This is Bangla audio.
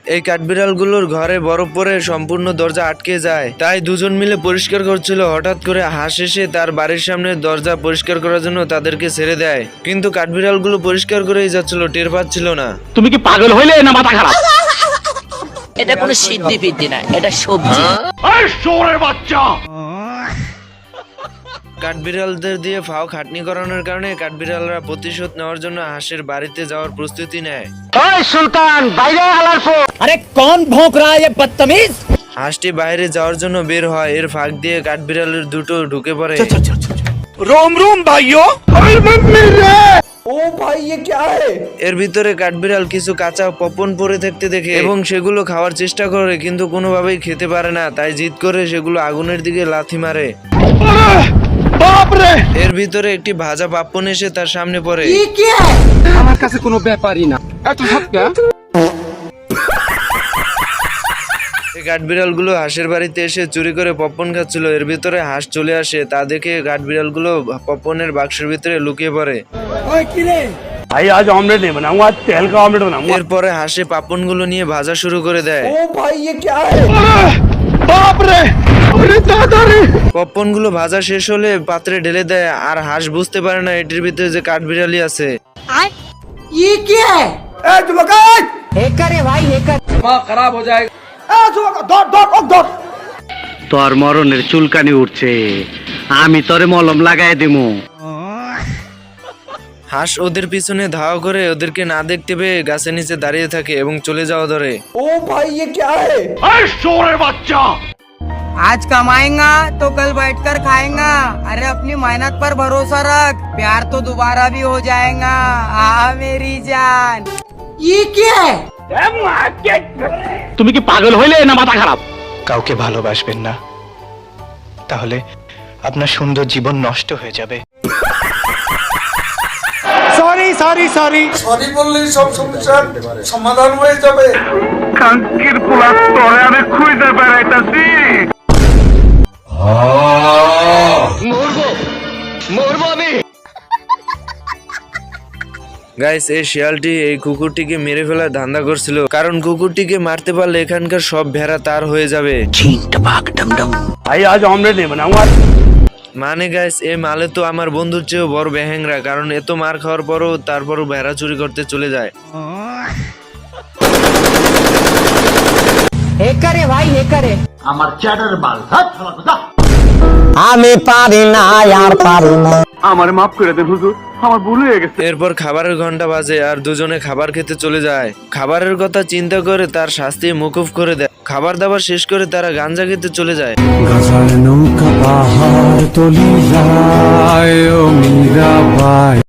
এই কাঠবিড়ালগুলোর ঘরে বরফ পরে সম্পূর্ণ দরজা আটকে যায়, তাই দুজন মিলে পরিষ্কার করছিল। হঠাৎ করে হাঁস এসে তার বাড়ির সামনে দরজা পরিষ্কার করার জন্য তাদেরকে ছেড়ে দেয়, কিন্তু কাঠবিড়ালগুলো পরিষ্কার করেই যাচ্ছিল, টের পাচ্ছিল না। তুমি কি পাগল হইলে না মাথা খারাপ? এটা কোনো সিদ্ধি ফিদ্ধি না, এটা সবজি। বাচ্চা কাঠবিড়ালদের দিয়ে ফাও খাটনি করানোর কারণে কাঠবিড়ালরা প্রতিশোধ নেওয়ার জন্য হাঁসের বাড়িতে যাওয়ার প্রস্তুতি নেয়। সুলতান বাইরে আলার ফো। আরে কোন ভোঁক রা হ্যায় বদতমিজ? হাঁসটি বাইরে যাওয়ার জন্য বের হয়, এর ফাঁক দিয়ে কাঠবিড়ালের দুটো ঢুকে পড়ে। रोम रोम भाइयों। ও ভাই ये क्या है? এর ভিতরে কাঠবিড়াল কিছু কাঁচা পপন পড়ে থাকতে দেখে এবং সেগুলো খাওয়ার চেষ্টা করে, কিন্তু কোনোভাবেই খেতে পারে না, তাই জিদ করে সেগুলো আগুনের দিকে লাথি মারে। এর ভিতরে একটি ভাজা পাপ্পন এসে তার সামনে পড়ে। আমার কাছে কোনো ব্যাপারই না, এত সবটা। এই কাঠবিড়ালগুলো হাঁসের বাড়িতে এসে চুরি করে পপকর্ন খাচ্ছিল। এর ভিতরে হাঁস চলে আসে, তা দেখে কাঠবিড়ালগুলো পপকর্নের বাক্সের ভিতরে লুকিয়ে পড়ে। ভাই আজ অমলেট नहीं बनाऊंगा, आज तेल का ऑमलेट बनाऊंगा। এরপরে হাঁসে পপকর্নগুলো নিয়ে ভাজা শুরু করে দেয়। ও ভাই ये क्या है? बाप रे, अरे दादा रे। পপকর্নগুলো ভাজা শেষ হলে পাত্রে ঢেলে দেয়, আর হাঁস বুঝতে পারে না এটির ভিতরে যে কাঠবিড়ালি আছে। ये क्या है? हैकर है भाई, हैकर। তোর মরণের চুলকানি উঠছে, আমি তোরে মলম লাগাই দিমু। হাঁস ওদের পিছনে ধাওয়া করে ওদেরকে না দেখতে পেয়ে গাছের নিচে দাঁড়িয়ে থাকে এবং চলে যাওয়া ধরে। ओ भाई ये क्या है? শোরের বাচ্চা। आज कमाएगा तो कल बैठकर खाएगा। अरे अपनी मेहनत पर भरोसा रख, प्यार तो दोबारा भी हो जाएगा। मेरी जान। ये क्या है? তুমি কি পাগল হইলে না মাথা খারাপ? কাউকে ভালোবাসবেন না, তাহলে আপনার সুন্দর জীবন নষ্ট হয়ে যাবে। Sorry sorry sorry. সরি বললেই সব সমস্যার সমাধান হয়ে যাবে। কাঙ্কির পোলা তোরে আমি খুঁজে বেড়াইতাছি। মরবো মরবো আমি। গাইস, এই শিয়ালটি এই কুকুরটিকে মেরে ফেলার ধান্দা করছিল, কারণ কুকুরটিকে মারতে পারলে এখানকার সব ভেড়া তার হয়ে যাবে। ভাই আজ অমলেট नहीं बनाऊंगा। মানে গাইস, এই মালে তো আমার বন্ধুর চেয়েও বড় বেহেংরা, কারণ এত মার খাওয়ার পরও তারপরও ভেড়া চুরি করতে চলে যায়। हैकर है भाई, हैकर है। আমার চ্যাটার বাল হাত ফালা কথা। আমি পারি না আর পারি না। আমারে মাফ করে দেন হুজুর, আমার ভুল হয়ে গেছে। এরপর খাবারের ঘন্টা বাজে আর দুজনে খাবার খেতে চলে যায়। খাবারের কথা চিন্তা করে তার শাস্তি মকুফ করে দেয়। খাবার দাবার শেষ করে তারা গাঞ্জা খেতে চলে যায়। গাজার নৌকা পাহাড় তলি যায় ও মীরাবাই।